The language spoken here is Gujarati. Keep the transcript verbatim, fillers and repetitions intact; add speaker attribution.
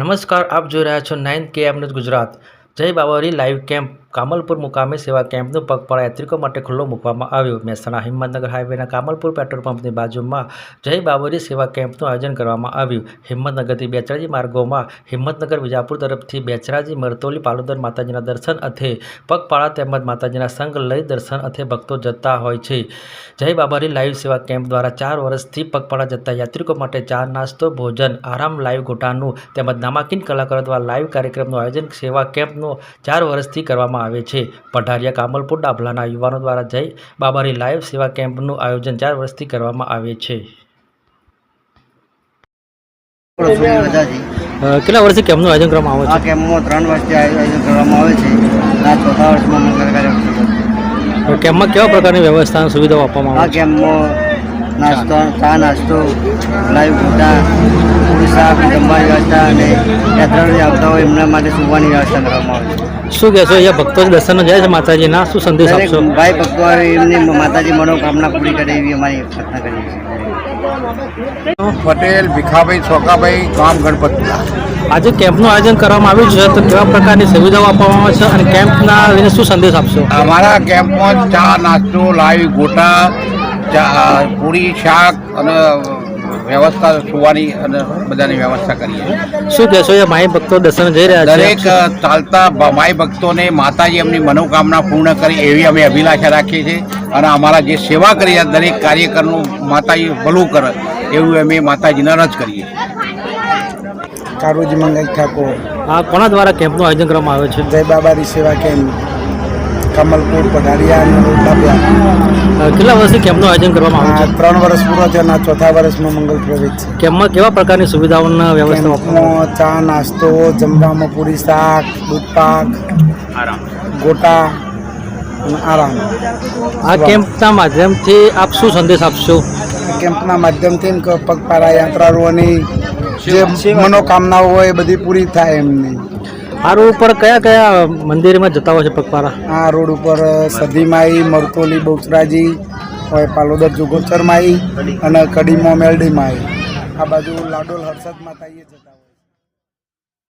Speaker 1: નમસ્કાર, આપ જોઈ રહ્યા છો નાઇન કે એમ ન્યૂઝ ગુજરાત। જય બાવરી લાઈવ કેમ્પ કામલપુર મુકામે સેવા કેમ્પનું પગપાળા યાત્રિકો માટે ખુલ્લો મૂકવામાં આવ્યો। મહેસાણા હિંમતનગર હાઈવેના કામલપુર પેટ્રોલ પંપની બાજુમાં જય બાવરી સેવા કેમ્પનું આયોજન કરવામાં આવ્યું। હિંમતનગરથી બેચરાજી માર્ગોમાં હિંમતનગર વિજાપુર તરફથી બેચરાજી મરતોલી પાલોદર માતાજીના દર્શન અર્થે પગપાળા તેમજ માતાજીના સંગ લઈ દર્શન અર્થે ભક્તો જતા હોય છે। જય બાવરી લાઈવ સેવા કેમ્પ દ્વારા ચાર વર્ષથી પગપાળા જતા યાત્રિકો માટે ચા નાસ્તો ભોજન આરામ લાઈવ ગોટાનું તેમજ નામાંકિત કલાકારો દ્વારા લાઈવ કાર્યક્રમનું આયોજન સેવા કેમ્પનું ચાર વર્ષથી કરવામાં આવે છે। પઢારિયા કામલપુર ડાભલાના યુવાનો દ્વારા જય બાવરી લાઈવ સેવા કેમ્પનું આયોજન ચાર વર્ષથી કરવામાં આવે છે। કેટલા વર્ષથી કેમ્પનું આયોજન કરવામાં આવે છે?
Speaker 2: આ કેમ્પમાં ત્રણ વર્ષથી આયોજન કરવામાં આવે છે। આ ચોથા વર્ષમાં મંગળ કાર્ય।
Speaker 1: કેમ્પમાં કેવા પ્રકારની વ્યવસ્થા અને સુવિધાઓ આપવામાં
Speaker 2: આ
Speaker 1: આવે છે?
Speaker 2: કેમ્પમાં નાસ્તો ચા નાસ્તો લાઈવ ગોટા પૂરી શાક જમવાની વ્યવસ્થા અને યાત્રાળુ આવતા હોય એમના માટે સુવાની વ્યવસ્થા કરવામાં આવે છે।
Speaker 1: શું કહેશો, અહીંયા ભક્તો દર્શન જાય છે માતાજીના, શું સંદેશ
Speaker 2: દરેક
Speaker 1: આપશો?
Speaker 2: ભાઈ ભક્તો આવે એમની માતાજી મનોકામના પૂરી કરે એવી અમારી પ્રાર્થના કરીએ છીએ।
Speaker 3: પટેલ ભીખાભાઈ સોકાભાઈ ગામ ગણપતપુરા।
Speaker 1: આજે કેમ્પનું આયોજન કરવામાં આવ્યું છે, તો કેવા પ્રકારની સુવિધાઓ આપવામાં આવે છે અને કેમ્પના લઈને શું સંદેશ આપશો?
Speaker 3: અમારા કેમ્પમાં ચા નાસ્તો લાઈવ ગોટા ચા પૂરી શાક અને વ્યવસ્થા સુવાની અને બધાની વ્યવસ્થા કરીએ।
Speaker 1: શું કહેશો, એ માઈ ભક્તો દર્શન જઈ રહ્યા છે?
Speaker 3: દરેક ચાલતા માઈ ભક્તોને માતાજી એમની મનોકામના પૂર્ણ કરી એવી અમે અભિલાષા રાખીએ છીએ અને અમારા જે સેવા કરી દરેક કાર્યકરનું માતાજી ભલું કરે એવું અમે માતાજીને રજ કરીએ છીએ।
Speaker 2: કારુજી મંગલ ઠાકોર।
Speaker 1: આ કોના દ્વારા કેમ્પનું આયોજન કરવામાં આવે છે?
Speaker 2: જય બાબારી સેવા કેમ્પ કમલપુર પઢારિયા।
Speaker 1: કેટલા વર્ષથી કેમ્પનું આયોજન કરવામાં આવે છે?
Speaker 2: ત્રણ વર્ષ પૂરો થયો અને ચોથા વર્ષમાં મંગલ પ્રવેશ છે।
Speaker 1: કેમ્પમાં કેવા પ્રકારની સુવિધાઓના વ્યવસ્થા આપવામાં આવે
Speaker 2: કેમ્પમાં ચા નાસ્તો જમવામાં પૂરી શાક દૂધ પાક
Speaker 1: આરામ
Speaker 2: ગોટા અને આરામ।
Speaker 1: આ કેમ્પના માધ્યમથી આપ શું સંદેશ આપશો?
Speaker 2: કેમ્પના માધ્યમથી પગપાળા યાત્રાળુઓની જે મનોકામનાઓ હોય એ બધી પૂરી થાય એમની।
Speaker 1: આ રોડ ઉપર કયા કયા મંદિરમાં જતા હોય છે પગપાળા?
Speaker 2: આ રોડ ઉપર સદીમાઈ મરતોલી બહુચરાજી હોય પાલોદર જુગોચરમાઈ અને કડીમો મેલડીમાઈ। આ બાજુ લાડોલ હર્ષદ માતાઈએ જતા